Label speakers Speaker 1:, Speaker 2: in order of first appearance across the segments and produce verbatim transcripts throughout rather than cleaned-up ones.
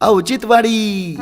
Speaker 1: औचित्यवाडी.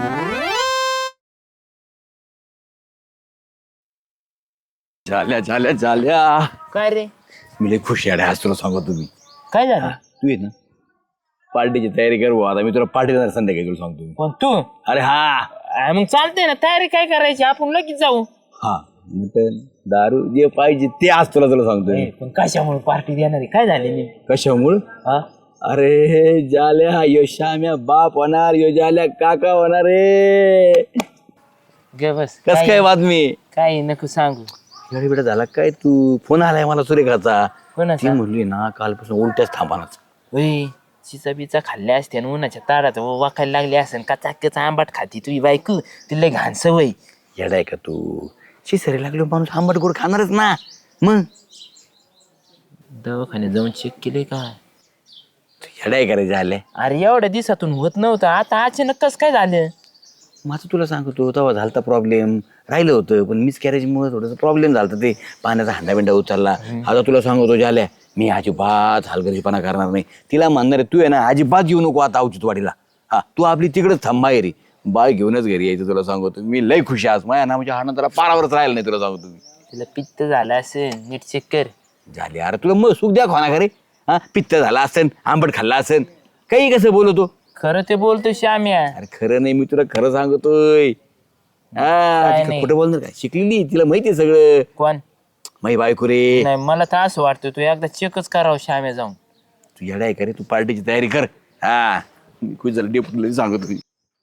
Speaker 2: झाल्या झाल्या झाल्या.
Speaker 3: काय रे?
Speaker 2: मी लय खुश आहे आज तुला सांगतो तुम्ही.
Speaker 3: काय झालं?
Speaker 2: तू ये ना पार्टीची तयारी कर भाऊ. आता मी तुला पार्टी देणार संध्याकाळी तुला सांगतो मी.
Speaker 3: पण तू
Speaker 2: अरे हा
Speaker 3: आ, मग चालतंय ना, तयारी काय करायची, आपण लगेच जाऊ.
Speaker 2: हा मटन दारू जे पाहिजे ते आज तुला तुला सांगतो मी.
Speaker 3: ए, पण कशामुळे पार्टी देणार आहे? काय झाले मी?
Speaker 2: कशामुळं?
Speaker 3: हा
Speaker 2: अरे जाल्या यो श्याम्या बाप होणार, यो जाल्या काका होणार रे.
Speaker 3: गे बस.
Speaker 2: कस काय बातमी?
Speaker 3: काय नको सांगू.
Speaker 2: अरे बेटा झाला काय तू? फोन आलाय मला सुरेखाचा. ती
Speaker 3: कोणाचा?
Speaker 2: म्हणली ना कालपासून उलट्याच थांबानाच.
Speaker 3: ओय, चिचा बिचा खाल्ल्या असते आणि उन्हाच्या तारात वाखायला लागली असेल. कचा कचा आंबाट खाती तुझी बायको, तिला घाण सवय.
Speaker 2: येडाय का तू? शिसरी लागलो माणूस आंबट गोड खाणारच ना. मग
Speaker 3: दवाखान्यात जाऊन चेक केले का?
Speaker 2: येडाय का रे झाले?
Speaker 3: अरे एवढ्या दिवसातून होत नव्हतं, आता अचानक कस काय झालं?
Speaker 2: माझं तुला सांगतो तेव्हा झालता प्रॉब्लेम, राहिलं होतं पण मिस कॅरेजमुळे थोडंसं प्रॉब्लेम झाला. ते पाण्याचा हांडा बिंडा उचलला. आता तुला सांगतो झाल्या मी अजिबात हलगर्जीपणा करणार नाही. तिला म्हणणार आहे तू आहे ना अजिबात येऊ नको आता औचित्यवाडीला. हा तू आपली तिकडंच थांबा रे, बाय घेऊनच घरी यायचं. तुला सांगतो मी लय खुशी आज माझ्या ना म्हणजे हा नंतर पारावरच राहिला नाही. तुला सांगतो मी
Speaker 3: तिला पित्त झालं असेल, नीट चेक कर.
Speaker 2: झाले. अरे तुला मग सुख द्या खाना खरे. हा पित्त झाला असेल, आंबट खाल्ला असेल, काही कसं बोलतो.
Speaker 3: खरं ते बोलतो श्याम्या.
Speaker 2: अरे खरं नाही, मी तुला खरं सांगतोय. हा
Speaker 3: काय
Speaker 2: तिला
Speaker 3: नाही.
Speaker 2: कुठं बोलणार काय, शिकलेली तिला माहितीये सगळं.
Speaker 3: कोण?
Speaker 2: माई बायको रे.
Speaker 3: नाही मला तर असं वाटतं तू एकदा चेकच करावं श्याम्या जाऊन.
Speaker 2: तू येडा आहे का रे? तू पार्टीची तयारी कर. हा मी खुश झालं डेपुटीला सांगतो.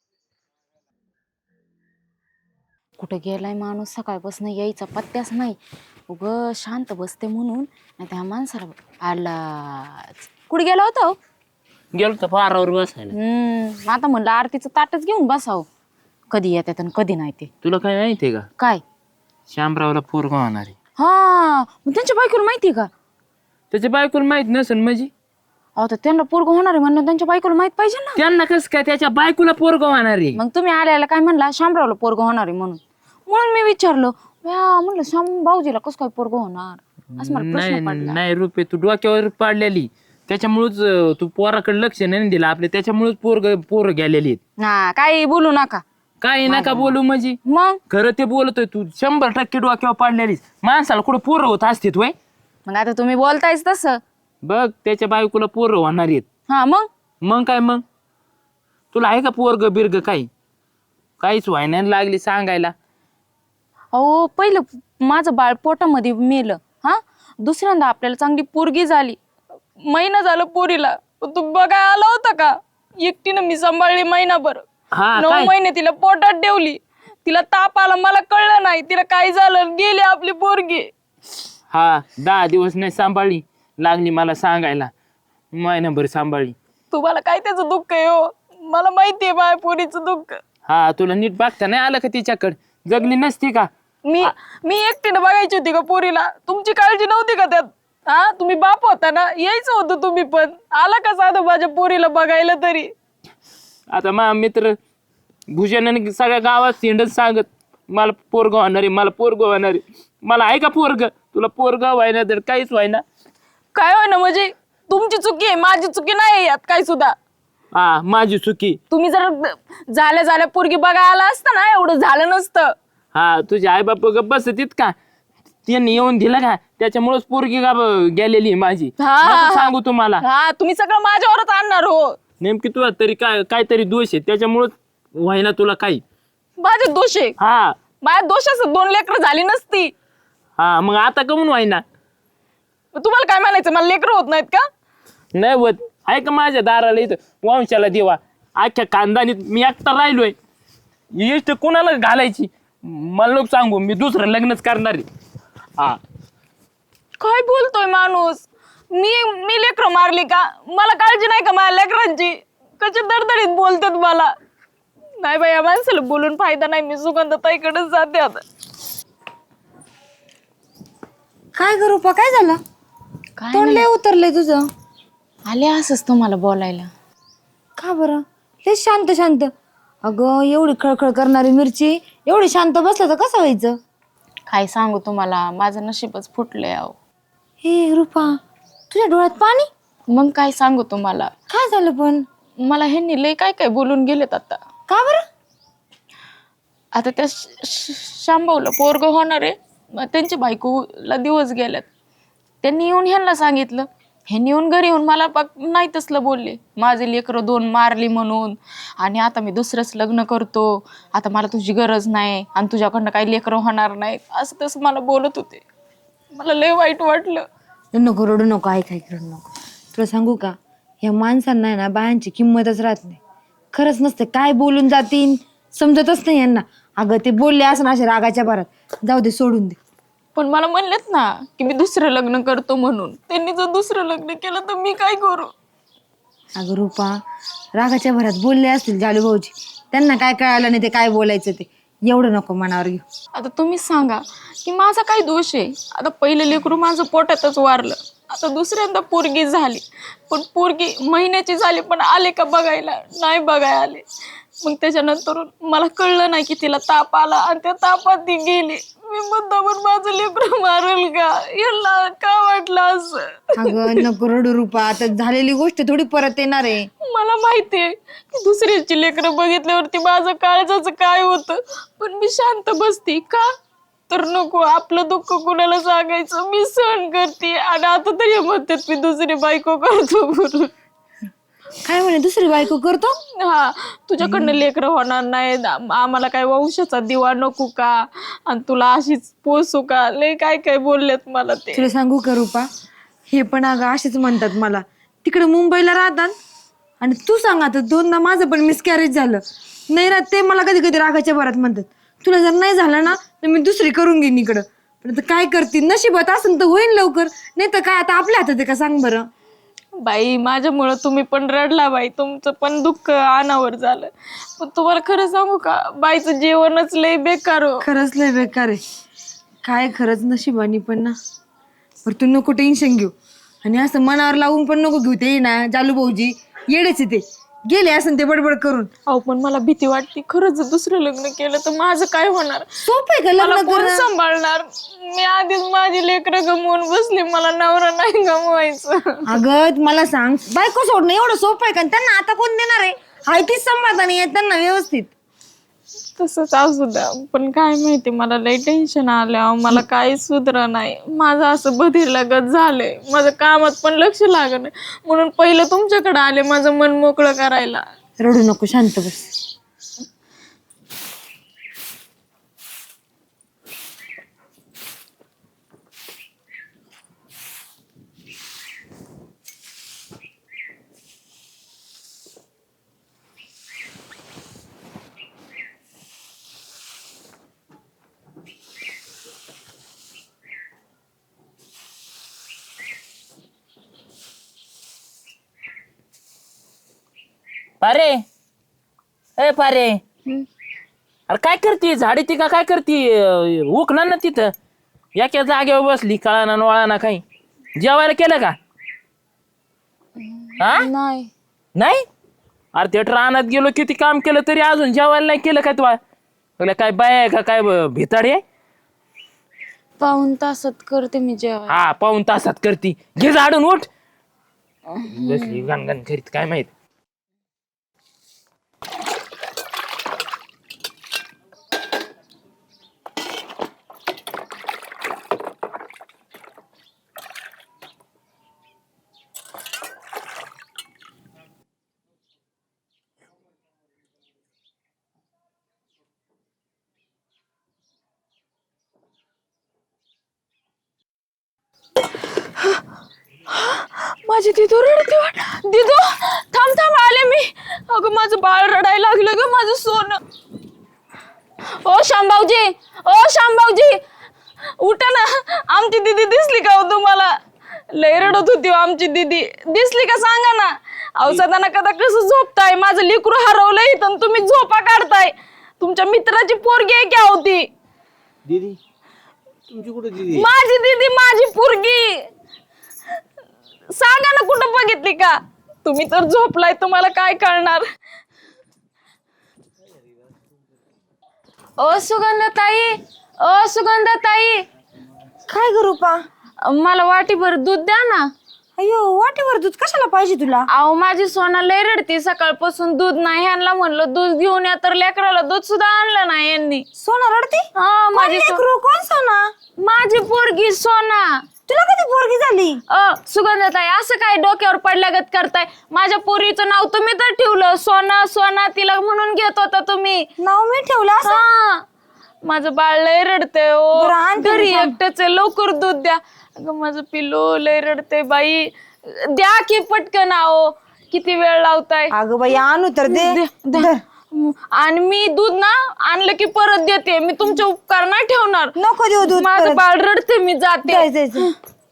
Speaker 4: कुठं गेलाय माणूस? सकाळपासून यायचा पत्त्याच नाही. उग शांत बसते म्हणून, नाही त्या माणसाला आलाच. कुठे गेला होता हो?
Speaker 3: गेलो तर पारावर बसायला.
Speaker 4: हम्म आता म्हणलं आरतीचं ताटच घेऊन बसावं. कधी येतात आणि कधी नाही ते.
Speaker 3: तुला काय माहितीये का?
Speaker 4: काय?
Speaker 3: श्यामरावला पोरगा होणार आहे.
Speaker 4: हा मग त्यांच्या बायकोला माहिती का?
Speaker 3: त्याच्या बायकोला माहित नसेल म्हणजे?
Speaker 4: अहो तर त्यांना पोरग होणार आहे म्हणलं त्यांच्या बायकोला माहित पाहिजे ना.
Speaker 3: त्यांना कसं काय त्याच्या बायकोला पोरगा होणार आहे?
Speaker 4: मग तुम्ही आल्याला काय म्हणला? शामरावला पोरग होणार आहे म्हणून. म्हणून मी विचारलं, या म्हणलं श्याम भाऊजीला कसं काय पोरग होणार असं मला प्रश्न
Speaker 3: नाही
Speaker 4: पडला.
Speaker 3: नाही रुपये तू डोक्यावर पाडलेली, त्याच्यामुळेच अं, तू पोराकडे लक्ष नाही दिलं आपले, त्याच्यामुळेच पोरग पोरं गेलेली आहेत.
Speaker 4: हा काही बोलू नका.
Speaker 3: काही नका बोलू म्हणजे
Speaker 4: मग
Speaker 3: खरं ते बोलतोय. तू शंभर टक्के डोक्यावर पाडलेलीस. माणसाला कुठं पोरं होत असते वय?
Speaker 4: मग आता तुम्ही बोलतायच तसं.
Speaker 3: बघ त्याच्या बायकोला पोरं होणार आहेत.
Speaker 4: हा मग
Speaker 3: मग काय मग? तुला आहे का पोरग बिरग काही? काहीच व्हायना लागली सांगायला.
Speaker 4: अहो पहिलं माझं बाळ पोटामध्ये मेलं. हा दुसऱ्यांदा आपल्याला चांगली पोरगी झाली. महिना झालं पोरीला. तू बघाय आला होता का? एकटीनं मी सांभाळली महिनाभर.
Speaker 3: हा
Speaker 4: नऊ
Speaker 3: काय?
Speaker 4: महिने तिला पोटात ठेवली. तिला ताप आला, मला कळलं नाही तिला काय झालं, गेली आपली पोरगी.
Speaker 3: हा दहा दिवस नाही सांभाळली, लागली मला सांगायला महिनाभर सांभाळली.
Speaker 4: तुम्हाला काय त्याचं दुःख आहे हो? मला माहितीये माझ्या पोरीचं दुःख.
Speaker 3: हा तुला नीट बघता नाही आलं का तिच्याकडे? जगली नसती का?
Speaker 4: मी मी एकटीनं बघायची होती का पोरीला? तुमची काळजी नव्हती का त्यात? हा तुम्ही बाप होता ना, यायचं होतं तुम्ही पण. आला का साधं माझ्या पोरीला बघायला तरी?
Speaker 3: आता मा मित्र भूषणाने सगळ्या गावात सेंडच सांगत मला पोरग होणार आहे, मला पोरग होणार आहे. मला आहे का पोरग? तुला पोरग व्हायना तर काहीच व्हायना.
Speaker 4: काय होय ना म्हणजे तुमची चुकी आहे, माझी चुकी नाही यात काय सुद्धा.
Speaker 3: हा माझी चुकी.
Speaker 4: तुम्ही जर झाल्या झाल्या पोरगी बघायला आला असता ना, एवढं झालं नसतं.
Speaker 3: हा तुझे आई बाप बसतीत का? त्यांनी येऊन दिलं का? त्याच्यामुळेच पोरगी का ब- गेलेली आहे माझी.
Speaker 4: हा,
Speaker 3: नको सांगू तुम्हाला.
Speaker 4: हा तुम्ही सगळं माझ्यावरच आणणार हो.
Speaker 3: नेमकी तुला तरी काय काहीतरी दोष आहे, त्याच्यामुळेच व्हायना तुला काही.
Speaker 4: माझे दोष आहे.
Speaker 3: हा
Speaker 4: माझ्या दोषाचं दोन लेकरं झाली नसती.
Speaker 3: हा मग आता कमून व्हायना?
Speaker 4: तुम्हाला काय म्हणायचं, मला लेकरं होत नाहीत का?
Speaker 3: नाही होत. आहे का माझ्या दाराला इथं वंशाला देवा अख्ख्या खानदानीत मी एकटा राहिलोय. इष्ट कोणाला घालायची? मला लोक सांगू मी दुसरं लग्नच करणार आहे. हा
Speaker 4: काय बोलतोय माणूस? मी मी लेकरं मारली का? मला काळजी नाही का माझ्या लेकरांची? कशी दडदडीत बोलतात मला. नाही बाई या माणसाला बोलून फायदा नाही. मी सुगंधताईकडेच जाते आता.
Speaker 5: काय करू पा? काय झालं? तोंड लय उतरलंय तुझं.
Speaker 4: आले असंच तुम्हाला बोलायला.
Speaker 5: का बरं? लय शांत शांत. अगं एवढी खळखळ करणारी मिरची एवढी शांत बसलं तर कसं व्हायचं?
Speaker 4: काय सांगू तुम्हाला, माझं नशीबच फुटलंय अहो.
Speaker 5: हे रुपा, तुझ्या डोळ्यात पाणी?
Speaker 4: मग काय सांगू तुम्हाला,
Speaker 5: काय झालं पण?
Speaker 4: मला ह्यांनी लय काय काय बोलून गेलेत आता.
Speaker 5: का बरं?
Speaker 4: आता त्या श- श- शांभाऊला पोरग होणार आहे, मग त्यांच्या बायकोला दिवस गेल्यात. त्यांनी येऊन ह्यांना सांगितलं, ह्यांनी येऊन घरी येऊन मला बघ नाही तसलं बोलले, माझे लेकरं दोन मारली म्हणून, आणि आता मी दुसरंच लग्न करतो, आता मला तुझी गरज नाही आणि तुझ्याकडनं काही लेकरं होणार नाहीत, असं तसं मला बोलत होते. मला लय वाईट वाटलं.
Speaker 5: नको रडू नको, ऐक ऐक रडू नको. तुला सांगू का, ह्या माणसांना आहे ना बायांची किंमतच राहत नाही. खरंच नसते, काय बोलून जातीन समजतच नाही यांना. अगं ते बोलले असं ना अशा रागाच्या भरात, जाऊ दे सोडून दे.
Speaker 4: पण मला म्हणलेत ना की मी दुसरं लग्न करतो म्हणून, त्यांनी जर दुसरं लग्न केलं तर मी काय करू?
Speaker 5: अगं रुपा, रागाच्या भरात बोलले असतील जालू भाऊजी, त्यांना काय कळालं नाही ते काय बोलायचं ते, एवढं नको मनावर घेऊ.
Speaker 4: आता तुम्हीच सांगा की माझा काय दोष आहे? आता पहिलं लेकरू माझं पोटातच वारलं, आता दुसऱ्यांदा पोरगी झाली, पण पोरगी महिन्याची झाली पण आले का बघायला? नाही बघायला आले. मग त्याच्यानंतर मला कळलं नाही की तिला ताप आला आणि त्या तापात ती गेली. मी मुद्दामून माझं लेकरू मारल का? याला का वाटलं असं?
Speaker 5: अगं नको रडू रुपा, आता झालेली गोष्ट थोडी परत येणार आहे.
Speaker 4: मला माहितीये की दुसऱ्याची लेकरं बघितल्यावरती माझं काळजाचं काय होतं, पण मी शांत बसते का? तर नको आपलं दुःख कुणाला सांगायचं, मी सहन करते. आणि आता तरी म्हणतात मी दुसरी बायको करतो म्हणून.
Speaker 5: काय म्हणे दुसरी बायको करतो?
Speaker 4: हा, तुझ्याकडनं लेकरं होणार नाही, आम्हाला काय वंशाचा दिवा नको का, आणि तुला अशीच पोसू का, लय काय काय बोललेत मला ते.
Speaker 5: तुला सांगू का रुपा, हे पण अगं असेच म्हणतात मला. तिकडे मुंबईला राहतात आणि तू सांग, आता दोनदा माझं पण मिसकॅरेज झालं नाही राहत, ते मला कधी कधी रागाच्या भरात म्हणतात, तुला जर नाही झालं ना तर मी दुसरी करून घेईन इकडं. पण आता काय करते, नशिबात असेल तर होईल लवकर, नाही तर काय आता आपल्या हातात आहे का सांग बरं.
Speaker 4: बाई माझ्यामुळं तुम्ही पण रडला बाई, तुमचं पण दुःख अनावर झालं. पण तुम्हाला खरं सांगू का, बाईचं जेवणच लय बेकार हो.
Speaker 5: खरंच लय बेकार आहे काय, खरंच नशिबानी पण ना. बरं तू नको टेन्शन घेऊ, आणि असं मनावर लावून पण नको घेऊ. ते ना जालू भाऊजी येडेच ते गेले असं ते बडबड करून.
Speaker 4: अहो पण मला भीती वाटते, खरंच जर दुसरं लग्न केलं तर माझं काय होणार?
Speaker 5: सोपं आहे का
Speaker 4: मला
Speaker 5: लग्न
Speaker 4: कोण
Speaker 5: करणं?
Speaker 4: सांभाळणार? मी आधीच माझी लेकरं गमवून बसली, मला नवरा नाही गमवायचं.
Speaker 5: अगं मला सांग, बायको सोडणं एवढं सोपं आहे का? त्यांना आता कोण देणार आहे? हाय तीच सांभाळता नाही येत त्यांना व्यवस्थित.
Speaker 4: तसंच असू द्या, पण काय माहिती मला लय टेन्शन आलं, मला काही सुधरा नाही. माझं असं बधीर लगत झालंय, माझं कामात पण लक्ष लागत नाही, म्हणून पहिलं तुमच्याकडे आले माझं मन मोकळं करायला.
Speaker 5: रडू नको, शांत बस.
Speaker 3: पारे, ए पारे, अरे काय करते? झाडी ती का काय करते? उकणार ना तिथं, एका जागेवर बसली, कळाना वळाना काही. जेवायला केलं का? हा
Speaker 4: नाही
Speaker 3: नाही? अरे ते रानात गेलो, किती काम केलं तरी अजून जेवायला नाही केलं का? तुला काय बाय आहे का काय, भिताडी आहे?
Speaker 4: पाऊन तासात करते मी जेवण.
Speaker 3: हा पाऊन तासात करती, घे झाडून उठ. बसली गणगण करीत, काय माहित.
Speaker 4: माझी दिदू रडते. दिदू थांब थांब, आले मी. अगं माझं बाळ रडायला लागलं ग, माझं सोनं. ओ शांभाऊजी, ओ शांभाऊजी, उठा ना. आमची दीदी दिसली का हो तुम्हाला? लय रडत होती आमची दीदी, दिसली का सांगा ना. औषधाना कदा कसं झोपताय? माझं लेकरू हरवलंय तर तुम्ही झोपा काढताय. तुमच्या मित्राची पोरगी आहे क्या होती?
Speaker 2: दीदी तुमची कुठे दीदी?
Speaker 4: माझी दीदी, माझी पोरगी. सांगा ना कुठं बघितली का? तुम्ही तर झोपलाय, तुम्हाला काय कळणार? ओ सुगंधाताई, ओ सुगंधाताई,
Speaker 5: काय करू पा?
Speaker 4: मला वाटीभर दूध द्या ना.
Speaker 5: अयो वाटेवर दूध कशाला पाहिजे तुला?
Speaker 4: अहो माझी सोना लय रडती, सकाळपासून दूध नाही. ह्यांना म्हणलं दूध घेऊन या, तर लेकराला दूध सुद्धा आणलं नाही यांनी.
Speaker 5: सोना रडते?
Speaker 4: हा माझी सो-
Speaker 5: लेकरू? कोण सोना?
Speaker 4: माझी पोरगी सोना.
Speaker 5: तुला कधी पोरगी झाली?
Speaker 4: अ सुगंधताई, असं काय डोक्यावर पडल्यागत करताय? माझ्या पोरीचं नाव तुम्ही तर ठेवलं सोना. सोना तिला म्हणून घेत होता तुम्ही.
Speaker 5: नाव मी ठेवलं असं?
Speaker 4: हा, माझं बाळ लय रडतंय
Speaker 5: बरं,
Speaker 4: ओ.
Speaker 5: आणते
Speaker 4: घरी
Speaker 5: मी थांब.
Speaker 4: एकटंच आहे, लवकर दूध द्या. अगं माझं पिल्लू लय रडतंय बाई. द्या की पटकन. आओ किती वेळ लावताय?
Speaker 5: अगं बाई आणू तर दे.
Speaker 4: दे, दे.
Speaker 5: धर.
Speaker 4: आणि मी दूध ना आणलं की परत देते. मी तुमचे उपकार नाही ठेवणार.
Speaker 5: नको देऊ दूध
Speaker 4: माझं
Speaker 5: परत.
Speaker 4: बाळ रडते, मी जाते.
Speaker 5: जाय, जाय, जाय.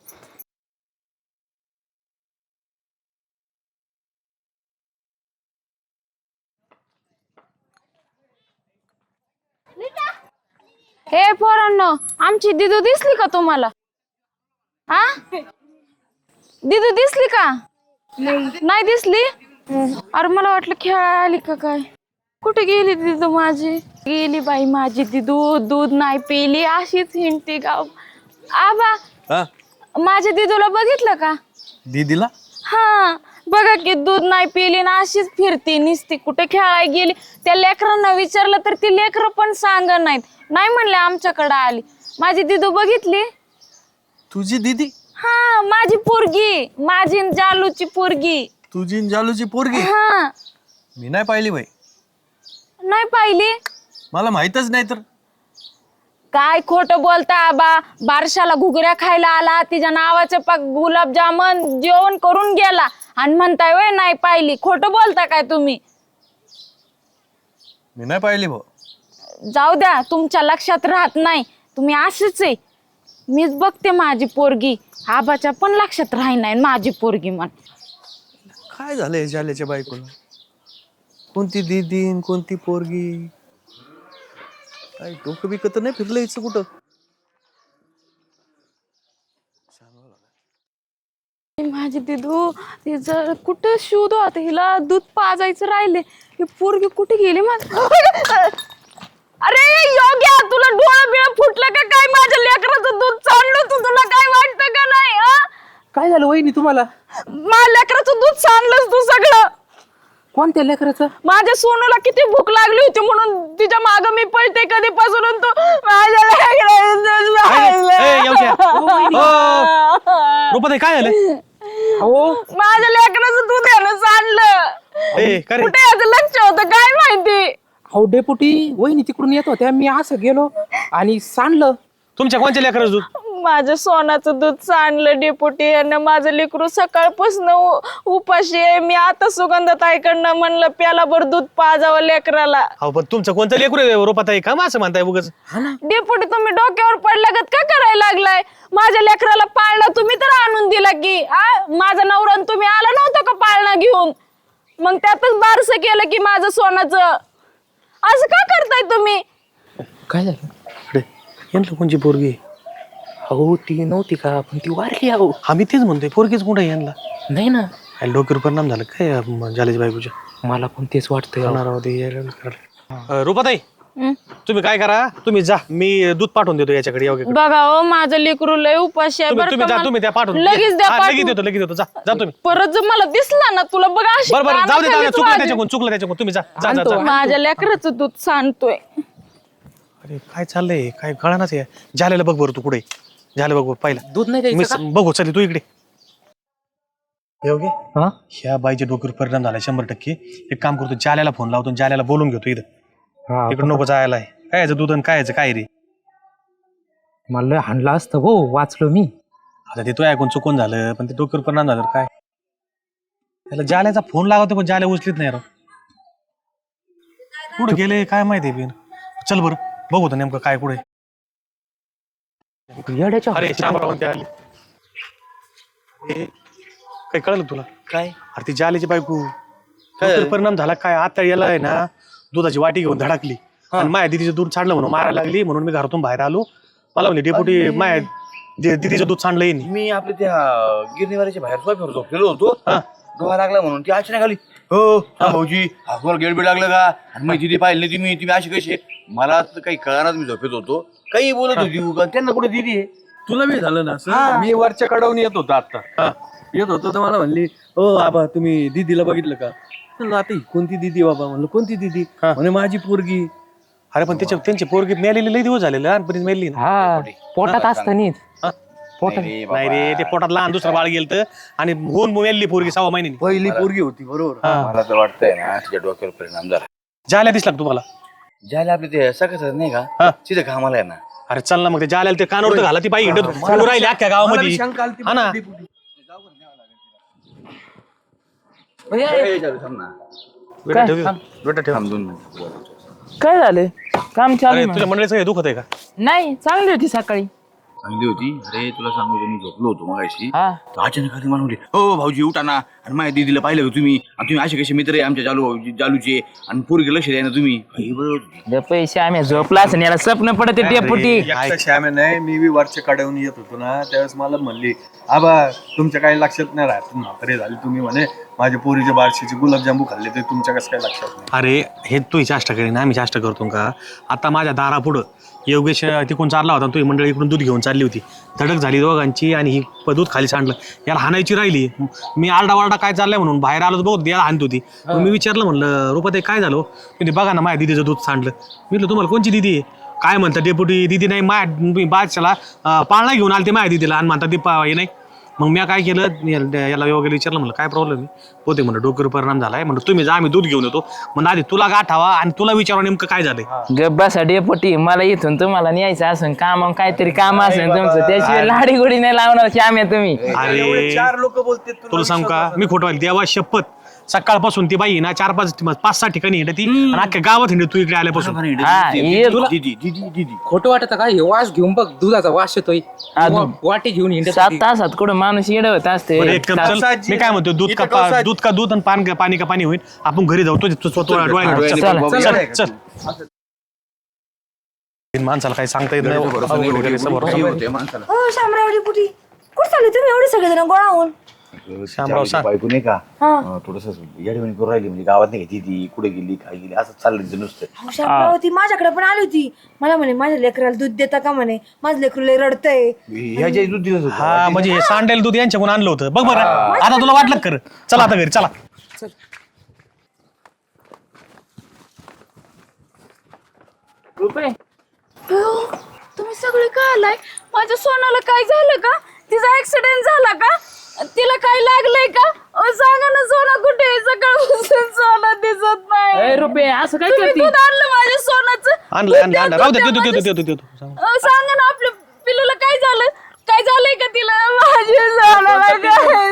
Speaker 4: हे पोरांनो, आमची दिदू दिसली का तुम्हाला? हा, दिदू दिसली का? नाही दिसली? अरे मला वाटलं खेळायला आली का काय. कुठे गेली दिदू माझी? गेली बाई माझी दिदू. दूध नाही पिली, अशीच हिंडती गाव. आबा,
Speaker 1: हा
Speaker 4: माझ्या दिदूला बघितलं का?
Speaker 1: दीदीला
Speaker 4: हा बघा की, दूध नाही पिली ना अशीच फिरती निसती. कुठे खेळायला गेली? त्या लेकरांना विचारलं तर ती लेकरं पण सांग नाहीत. नाही म्हणले आमच्याकडे आली. माझी दिदू बघितली?
Speaker 1: तुझी दीदी?
Speaker 4: हा, माझी पोरगी, माझी न जालूची पोरगी.
Speaker 1: तुझी न जालूची पोरगी?
Speaker 4: हा,
Speaker 1: मी नाही पाहिली बाई.
Speaker 4: नाही पाहिली?
Speaker 1: मला माहितच नाही तर.
Speaker 4: काय खोटं बोलता आबा. बारशाला घुगऱ्या खायला आला, तिच्या नावाचं पाक गुलाबजामन जेवण करून गेला आणि म्हणताय वय नाही पाहिली. खोटं बोलता काय तुम्ही?
Speaker 1: मी नाही पाहिली भाऊ.
Speaker 4: जाऊ द्या, तुमच्या लक्षात राहत नाही. तुम्ही असेच आहे. मीच बघते माझी पोरगी. आबाच्या पण लक्षात राही नाही माझी पोरगी म्हण.
Speaker 1: काय झालंय जाल्याच्या बायकोला? कोणती दीदी न कोणती पोरगी? काय डोकं बिकं तर नाही फिरलं हिचं कुठं?
Speaker 4: माझी दिदू तिचं कुठं शोध आता, हिला दूध पाजायचं राहिले. ही पोरगी कुठे गेली माझ? अरे योग्या, तुला डोळं बिळ फुटलं का काय? माझ्या लेकराचं दूध चाललं तू, तुला काय वाटतं का नाही? हा,
Speaker 3: काय झालं वहिनी तुम्हाला?
Speaker 4: माझ्या लेकराचं दूध सांडलंस तू सगळं.
Speaker 3: कोणत्या लेकराचं?
Speaker 4: माझ्या सोनूला किती भूक लागली होती म्हणून तिच्या माग मी पळते कधीपासून, आणि तू माझ्या लेकराचं दूध सांडलं.
Speaker 1: रुपाताई काय झालं?
Speaker 3: हो,
Speaker 4: माझ्या लेकराचं दूध यानं सांडलं.
Speaker 1: ए, काय रे?
Speaker 4: कुठे याचं लक्ष होतं काय माहिती?
Speaker 3: अहो डेपुटी, वहिनी तिकडून येत होत्या, मी असं गेलो आणि सांडलं.
Speaker 1: तुमच्या कोणच्या लेकराचं दूध?
Speaker 4: माझं सोनाचं दूध सांडलं डेपुटी. आणि माझं लेकरू सकाळपासून उपाशी आहे. मी आता सुगंधताईकडनं म्हणलं प्याला भर दूध पाजावं लेकराला.
Speaker 1: हो पण तुमचं कोणतं लेकरू आहे रुपाताई? का असं म्हणताय उगाच?
Speaker 4: डेपुटी तुम्ही डोक्यावर पडल्यागत का करायला लागलाय? माझ्या लेकराला पाळणा तुम्ही तर आणून दिला की. आ माझा नवरा आणि तुम्ही आला नव्हतं का पाळणा घेऊन? मग त्यातच बारसं केलं की माझं सोनाचं. असं का करताय तुम्ही?
Speaker 3: काय झालं?
Speaker 1: अरे यांना कोणची पोरगी?
Speaker 3: अहो ती नव्हती का, पण ती वारली. अहो
Speaker 1: आम्ही तेच म्हणतोय, पोरगीच कुठं आहे यांना?
Speaker 3: नाही ना,
Speaker 1: काय डोक्यावर परिणाम झाला काय जाल्याच्या बायकोच्या?
Speaker 3: मला पण तेच वाटतंय. अहो.
Speaker 1: रुपाताई
Speaker 4: हं?
Speaker 1: तुम्ही काय करा, तुम्ही जा, मी दूध पाठवून देतो याच्याकडे. योग्य
Speaker 4: बघा हो, माझं लेकरू लय उपाशी आहे
Speaker 1: तुम्ही
Speaker 4: बरं
Speaker 1: तुम्ही
Speaker 4: का.
Speaker 1: जा, तुम्ही त्या पाठवून
Speaker 4: लगेच द्या
Speaker 1: हा, लगेच
Speaker 4: पाठवून.
Speaker 1: देतो लगेच देतो. जा जा तुम्ही.
Speaker 4: परत जर मला दिसला ना तुला बघा अशी
Speaker 1: बरं बरं जाऊ दे, जाऊ दे.
Speaker 4: कानाखालीच
Speaker 1: चुकलं
Speaker 4: वाजवी.
Speaker 1: त्याच्याकडून, चुकलं त्याच्याकडून. तुम्ही जा जा जा
Speaker 3: आणतो.
Speaker 1: जा.
Speaker 4: माझ्या लेकराचं दूध सांडतोय.
Speaker 1: अरे काय चाललंय, काय कळणाच आहे. झालेलं बघ बरं तू कुठे झालं बघ बघ पहिला
Speaker 3: दूध नाही
Speaker 1: मी
Speaker 3: द्यायचं
Speaker 1: बघू. चल तू इकडे. योग्य
Speaker 3: का? हा?
Speaker 1: ह्या बाईच्या डोक्यावर परिणाम झाला शंभर टक्के. एक काम करतो, जाल्याला फोन लावतो, जाल्याला बोलून घेतो इथं.
Speaker 3: हा,
Speaker 1: इकडे नको जायला. काय याचं दूध आणि काय याचं काय रे?
Speaker 3: मला लय हाणलं असतं हो, वाचलो मी.
Speaker 1: आता ते तो ऐकून चुकून झालं, पण ते डोक्यावर परिणाम झालं काय. त्याला जाल्याचा फोन लावतो पण जाल्या उचलीत नाही राव. कुठे गेले काय माहिती बिन. चल बरं बघू तर नेमकं काय कुठे.
Speaker 3: येड्याच्या
Speaker 1: अरे शामराव ते आले. ए, काय कळलं तुला?
Speaker 2: काय
Speaker 1: अरे ती जाल्याची बायको डोक्यावर परिणाम झाला काय. आता याला आहे ना दुधाची वाटी घेऊन धडकली आणि माया दिदीचं दूध सांडलं म्हणून मारायला लागली. म्हणून मी घरातून बाहेर आलो. मला म्हणले डेपुटी माया दिदीचं दूध सांडलं येईन.
Speaker 2: मी आपल्या त्या गिरणीवाल्याच्या बाहेर सोफ्यावर झोपलेलो होतो. डोळा लागला म्हणून ती अचानक आली. हो हा भाऊजी, हातवर गेट बीट लागलं का? आणि मग दिदी पाहिली तुम्ही तुम्ही अशी कशी? मला तर काही कळणार, मी झोपेत होतो. काही बोलत होती उगा. त्यांना कुठे दिदी आहे?
Speaker 6: तुला बी झालं ना असं? मी वरच्या कडावून येत होतो आता. येत होतो तर मला म्हणली हो आबा तुम्ही दीदीला बघितलं का? म्हणलं आता ही कोणती दीदी बाबा? म्हणलं कोणती दीदी? म्हणे माझी पोरगी.
Speaker 1: अरे पण त्याच्या त्यांची पोरगी मेलेली लई दिवस झाले लहानपणीच मेली ना.
Speaker 3: हा पोटात असतानीच पोटात
Speaker 1: नाही रे ते पोटात लहान दुसरं बाळ गेलं आणि होऊन मेली पोरगी सहा महिन्यांनी.
Speaker 6: पहिली पोरगी होती बरोबर.
Speaker 2: मला तर वाटतंय ना तिच्या डोक्यावर परिणाम झाला.
Speaker 1: जायला दिसला का तुम्हाला?
Speaker 2: ज्याला आपले ते सकाळ नाही
Speaker 1: हा.
Speaker 2: का तिथे कामाला आहे ना.
Speaker 1: अरे चल ना मग ते जायला ते कानावर तर घाला ती बाई हिंडत फिरू राहिली अख्ख्या गावामध्ये. हा ना बेटा ठेव बेटा ठेव.
Speaker 2: थांब दोन मिनिटं.
Speaker 3: काय झालं काम चालू
Speaker 1: अरे
Speaker 3: आहे
Speaker 1: तुझ्या मंडळीचं हे दुखत आहे का?
Speaker 3: नाही चांगली होती सकाळी
Speaker 2: चांगली होती. अरे तुला सांगू मी झोपलो होतो मगाशी.
Speaker 3: हा
Speaker 2: तर अचानक आली मला म्हणली हो भाऊजी उठा ना. आणि माझ्या दीदीला पाहिलं का तुम्ही? आणि तुम्ही असे कसे मित्र आहे आमच्या जालू जालूचे आणि पोरगी लक्ष द्या ना तुम्ही. आई बरोबर होती.
Speaker 3: जे पैसे आम्ही झोपला असं याला स्वप्न पडते डेपुटी.
Speaker 6: श्यामे नाही मी बी वरच्या कड्यावरून येत होतो ना त्यावेळेस मला म्हणली आबा तुमच्या काही लक्षात नाही राहत म्हातारे झाले तुम्ही म्हणे माझ्या पोरीच्या बारशीचे गुलाबजांबू खाल्ले ते तुमच्या कसं काय लक्षात नाही.
Speaker 1: अरे हे तू चाष्टा करीन आम्ही चाष्टा करतो का? आता माझ्या दारापुढं योगेश तिकडून चालला होता तुझी मंडळी इकडून दूध घेऊन चालली होती. धडक झाली दोघांची आणि ही प- दूध खाली सांडलं. याला हाणायची राहिली. मी आरडा वारडा काय चाललंय म्हणून बाहेर आलो बहुत याला हाणत होती. मग मी विचारलं म्हणलं रुपाताई काय झालं? म्हणजे बघा ना माझ्या दिदीचं दूध सांडलं. मी म्हटलं तुम्हाला कोणची दिदी आहे? काय म्हणतात डेपुटी दिदी नाही माझ्या बादशाला पाळणा घेऊन आले ते माझ्या दिदीला आणि म्हणतात ती पा हे नाही. मग मी काय केलं याला याला वगैरे विचारलं म्हणलं काय प्रॉब्लेम आहे? होते म्हणलं डोक्यावर परिणाम झालाय म्हणलं तुम्ही जा आम्ही दूध घेऊन येतो. मग आधी तुला गाठावा आणि तुला विचारा नेमकं काय झालंय.
Speaker 3: गब्बासा डेपुटी मला इथून तुम्हाला न्यायचं असेल काम काहीतरी काम असेल तुमचं त्याशिवाय लाडी गोडी नाही लावणार की आम्ही तुम्ही.
Speaker 1: अरे
Speaker 6: चार लोक बोलते
Speaker 1: तुला सांगू का मी खोटं व्हायला देवा शपथ सकाळपासून ती बाई ना चार पाच पाच सहा ठिकाणी हिंडती आणि अख्ख्या गावात हिंडत तू इकडे आल्यापासून.
Speaker 3: हा ये
Speaker 2: दीदी दीदी दीदी
Speaker 7: खोटं वाटत का? हे वास घेऊन बघ दुधाचा वास येतोय.
Speaker 3: हा,
Speaker 7: वा- वाटी घेऊन हिंडत
Speaker 3: सात
Speaker 7: होती.
Speaker 3: तासात कुठं माणूस येड होत असते.
Speaker 1: बरं, एक कप चल मी काय म्हणतो दूध का पा- दूध का दूध आणि पान का पाणी का पाणी होईल. आपण घरी जाऊ तो स्वतः डोळ्याने
Speaker 2: चल,
Speaker 1: चल,
Speaker 3: चल.
Speaker 1: चल चल. माणसाला काही सांगता येत नाही.
Speaker 2: काही होते माणसाला.
Speaker 5: हो शामरावडी पुटी कुठे चालले तुम्ही एवढे सगळेजण गोळा होऊन?
Speaker 1: शामराव सांग.
Speaker 2: बायको नाही का
Speaker 5: हा.
Speaker 2: थोडस याडवणी करून राहिली म्हणजे गावात नाही का दीदी कुठे गेली काय गेली असं चाललं तिचं नुसतं.
Speaker 5: अहो, शामराव ती माझ्याकडे पण आली होती. मला म्हणे माझ्या लेकराला दूध देता का म्हणे माझं लेकरू लय रडतंय.
Speaker 2: ह्याच्या दूध दिलं होतं.
Speaker 1: हा म्हणजे हे सांडेल दूध यांच्याकडून आणलं होतं बघ बरं. आता तुला वाटलं कर चला आता घरी चला.
Speaker 3: रुपये
Speaker 4: अयो, तुम्ही सगळे का आलाय? माझ्या सोनाला काय झालं का? तिचा ऍक्सिडेंट झाला का? तिला काय लागलंय का? अहो, सांगा ना सोना कुठे आहे? सकाळपासून सोना दिसत नाही.
Speaker 3: ए, रुपये असं काय
Speaker 4: तुम्ही
Speaker 3: करते?
Speaker 4: दूध आणलं माझ्या सोनाचं.
Speaker 1: आणलं
Speaker 4: दूध
Speaker 1: आणलं
Speaker 4: द्या,
Speaker 1: आणलं
Speaker 4: दूध
Speaker 1: राहू दे
Speaker 4: द्या
Speaker 1: देतो देतो
Speaker 4: माझ्या-
Speaker 1: देतो देतो सांग.
Speaker 4: अहो, सांगा ना आपल्या पिल्लूला काय झालं? काय झालंय का तिला? माझ्या सोनाला काय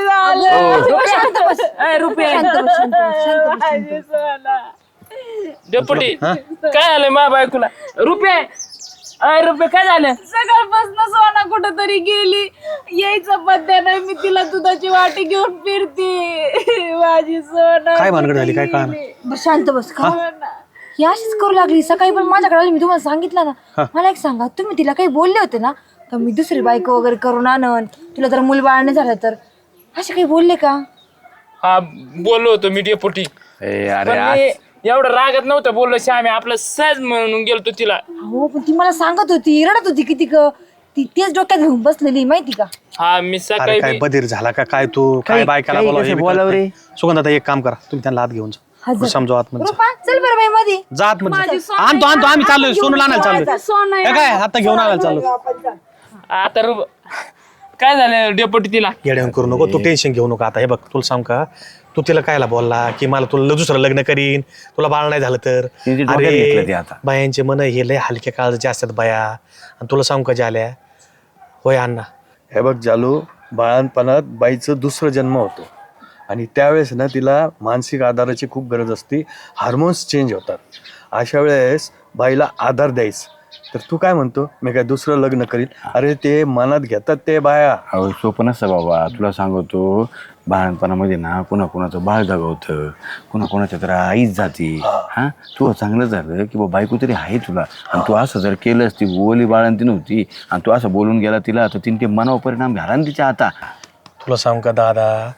Speaker 4: झालं?
Speaker 3: ए, रुपये
Speaker 5: शांत बस, शांत बस, शांत बस, शांत
Speaker 4: माझी सोना.
Speaker 3: डेपुटी काय आलंय मा बायकोला? रुपये अय रुपये काय झालं?
Speaker 4: सकाळपासून सोना कुठंतरी गेली. यायचं पत्त्या नाही. मी तिला दुधाची वाटी घेऊन फिरते. माझी सोना
Speaker 1: काय भानगड झाली काय कळणार?
Speaker 5: बरं, शांत बस का ही अशीच करू लागली. सकाळी पण माझ्याकडे आली मी तुम्हाला सांगितलं ना. मला एक सांगा तुम्ही तिला काही बोलले होते ना का मी दुसरी बायको वगैरे करून आणन तुला जर मूल बाळ नाही झालं तर असे काही बोलले का?
Speaker 3: हा बोललो होतो मी डेपुटी.
Speaker 2: ए, अरे
Speaker 3: पण
Speaker 2: आज-
Speaker 3: मी एवढं रागत नव्हतं बोललो श्यामी आपलं सहज म्हणून गेलतो तिला.
Speaker 5: हो पण ती मला सांगत होती रडत होती किती क ती तेच डोक्यात घेऊन बसलेली माहिती का?
Speaker 3: हा मी
Speaker 1: अरे
Speaker 3: सकाळी
Speaker 1: काय
Speaker 3: बी-
Speaker 1: बधीर झाला का काय तू काय
Speaker 2: काही-
Speaker 1: बायकाला
Speaker 2: काही
Speaker 1: बोलावं हे
Speaker 2: कसं
Speaker 1: बी
Speaker 2: बोलावं
Speaker 1: कळत
Speaker 2: रे?
Speaker 1: नाही. सुगंध आता एक काम करा तुम्ही त्यांना हात घेऊन जा
Speaker 5: हजर.
Speaker 1: समजा आतमध्ये
Speaker 5: रुपा चल बरं बाई मध्ये
Speaker 1: जात मध्ये
Speaker 4: माझी सोना
Speaker 1: आणतो आणतो आम्ही चाललोय सोनू आणायला चाललोय.
Speaker 4: सोना
Speaker 1: हे काय आता घेऊन आणायला चाललो.
Speaker 3: आता रुप काय झालं डेपुटी तिला?
Speaker 1: येड्यावून करू नको तू टेन्शन घेऊ नको. आता हे बघ तुला सांग का तू तिला कायला बोलला की मला तुला दुसरं लग्न करीन तुला बाळ नाही झालं तर.
Speaker 2: तिने ते डोक्यात घेतलं ते आता.
Speaker 1: बायांचे मन हे लय हलक्या काळजाचे असतात बाया. आणि तुला सांग का झाल्या होय अण्णा
Speaker 6: हे बघ जालू बाळांपणात बाईचं दुसरं जन्म होतो आणि त्यावेळेस ना तिला मानसिक आधाराची खूप गरज असते. हार्मोन्स चेंज होतात. अशा वेळेस बाईला आधार द्यायचं. तर तू काय म्हणतो मी काय दुसरं लग्न करीन? अरे ते मनात घेतात ते बाया.
Speaker 2: अहो सोपं नसतं बाबा. तुला सांगतो बाळणपणामध्ये ना कुणा कुणाचं बाळ जगवतं कुणा कुणाच्या तर आईच जाते. हा तू चांगलं झालं की बा बायको तरी आहे तुला. आणि तू असं जर केलंस ती ओली बाळंती नव्हती आणि तू असं बोलून गेला तिला तर तिने ते मनावर परिणाम झाला ना तिच्या आता.
Speaker 1: तुला सांग का दादा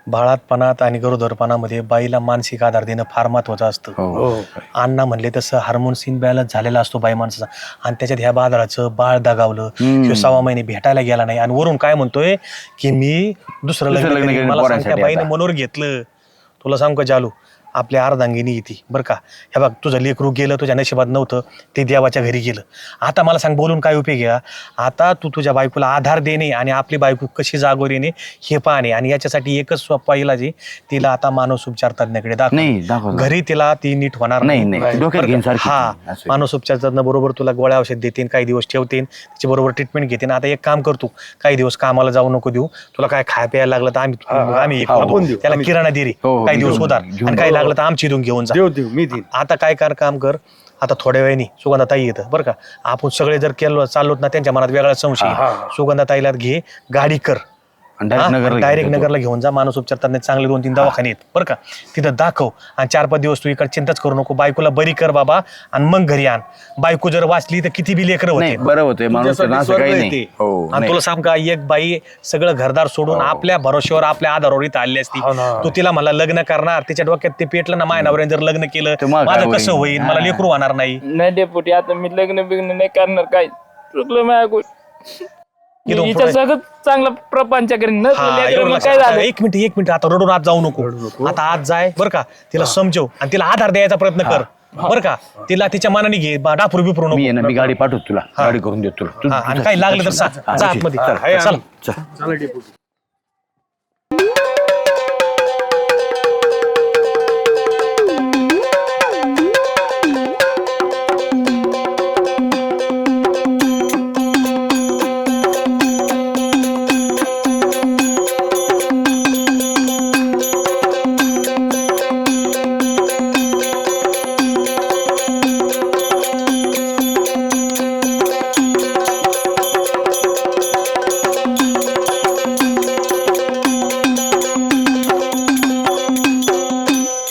Speaker 1: बाळातपणात आणि गरोदरपणामध्ये बाईला मानसिक आधार देणं फार महत्वाचं असतं.
Speaker 2: हो
Speaker 1: अण्णा म्हणले तसं हार्मोन्स इनबॅलन्स झालेला असतो बाई माणसाचा, आणि त्याच्यात ह्या बाजाराचं बाळ दगावलं, ह्यो सव्वा महिने भेटायला गेला नाही, आणि वरून काय म्हणतोय की मी दुसरं लग्न
Speaker 2: लग्न
Speaker 1: करीन.
Speaker 2: करीन
Speaker 1: मला सांग त्या
Speaker 2: पोरांसाठी
Speaker 1: बाईने
Speaker 2: आता.
Speaker 1: मनोर घेतलं. तुला सांग का जालू, आपल्या अर्धांगिनी येते बरं का, हे बघ तुझं लेकरू गेलं, तुझ्या नशिबात नव्हतं, ते देवाच्या घरी गेलं. आता मला सांग बोलून काय उपयोग आहे? आता तू तुझ्या बायकोला आधार देणे आणि आपली बायको कशी जागोर येणे हे पाहणे, आणि याच्यासाठी एकच सोपा इलाज आहे, तिला आता मानसोपचार तज्ञाकडे दाखव.
Speaker 2: नाही दाखव
Speaker 1: घरी तिला ती नीट होणार
Speaker 2: नाही, नाही. डोक्यात घेईन सारखी
Speaker 1: हा
Speaker 2: ती. असं.
Speaker 1: मानसोपचार तज्ञ बरोबर तुला गोळ्या औषध देतील, काही दिवस ठेवतील, तिच्या बरोबर ट्रीटमेंट घेतील. आता एक काम करतो, काही दिवस कामाला जाऊ नको देऊ, तुला काय खाय प्यायला लागलं तर आम्ही आम्ही एक करतो.
Speaker 6: आपण देऊ,
Speaker 1: त्याला
Speaker 6: आम्ही-
Speaker 1: किराणा दे रे,
Speaker 2: हो, हो,
Speaker 1: काही दिवस
Speaker 2: घेऊन-
Speaker 1: उधार,
Speaker 2: घेऊन
Speaker 1: आणि काही लागलं तर आमची इथून घेऊन जा.
Speaker 6: देऊ देऊ मी देईन.
Speaker 1: आता काय कर काम कर, आता थोड्या वेळाने सुगंधाताई येतं बरं का, आपण सगळे जर केलं चाललोत ना त्यांच्या मनात वेगळा संशय आहे. सुगंधाताईला घे, गाडी कर,
Speaker 2: आणि direct नगरला
Speaker 1: डायरेक्ट
Speaker 2: घेऊन
Speaker 1: नगरला घेऊन जा. मानसोपचार तज्ञ चांगले दोन तीन दवाखाने आहेत बरं का, तिथं दाखव, आणि चार पाच दिवस तू इकडे चिंताच करू नको, बायकोला बरी कर बाबा, आणि मग घरी आण. बायको जर वाचली तर किती बी लेकरं
Speaker 2: नाही
Speaker 1: होते.
Speaker 2: बरं होतंय माणूस
Speaker 6: तुझ्यासाठी
Speaker 2: असं
Speaker 6: स्वर्ग
Speaker 2: काही
Speaker 6: आहे
Speaker 2: नाही.
Speaker 6: ते.
Speaker 2: हो
Speaker 1: आणि
Speaker 2: नाही.
Speaker 1: तुला सांग का, एक बाई सगळं घरदार सोडून आपल्या भरोश्यावर आपल्या आधारावर इथं आली असती.
Speaker 6: हो ना.
Speaker 1: तू तिला मला लग्न करणार, तिच्या डोक्यात ते पेटलं ना, मायनावर जर लग्न केलं
Speaker 2: तर मग काय
Speaker 1: माझं कसं
Speaker 2: होईल?
Speaker 1: होईल, मला लेकरू होणार नाही.
Speaker 3: नाही डेपुटी, आता मी लग्न बिग्न नाही करणार, काय चुकलं माझ्या
Speaker 1: इथून
Speaker 3: हिच्या
Speaker 1: पुढे-
Speaker 3: सगळं चांगला प्रपंच करेन.
Speaker 1: हा,
Speaker 3: नसलं
Speaker 1: एवढं
Speaker 3: लेकरं मग
Speaker 1: लक्षात-
Speaker 3: काय झालं?
Speaker 1: एक मिनिट एक मिनिट आता रडून आत जाऊ नको. आता आत जाय बरं का, तिला समजव आणि तिला आधार द्यायचा प्रयत्न कर बरं का, तिला तिच्या मनाने घे, बा- डापुर बिपुरू
Speaker 2: मी
Speaker 1: नको.
Speaker 2: आहे ना, मी गाडी पाठवतो तुला, गाडी करून देतो तुला. तू-
Speaker 1: हा, आणि काही लागलं तर सा- जा आतमध्ये.
Speaker 2: चल,
Speaker 1: चला.
Speaker 2: चल.
Speaker 6: चला डेपुटी.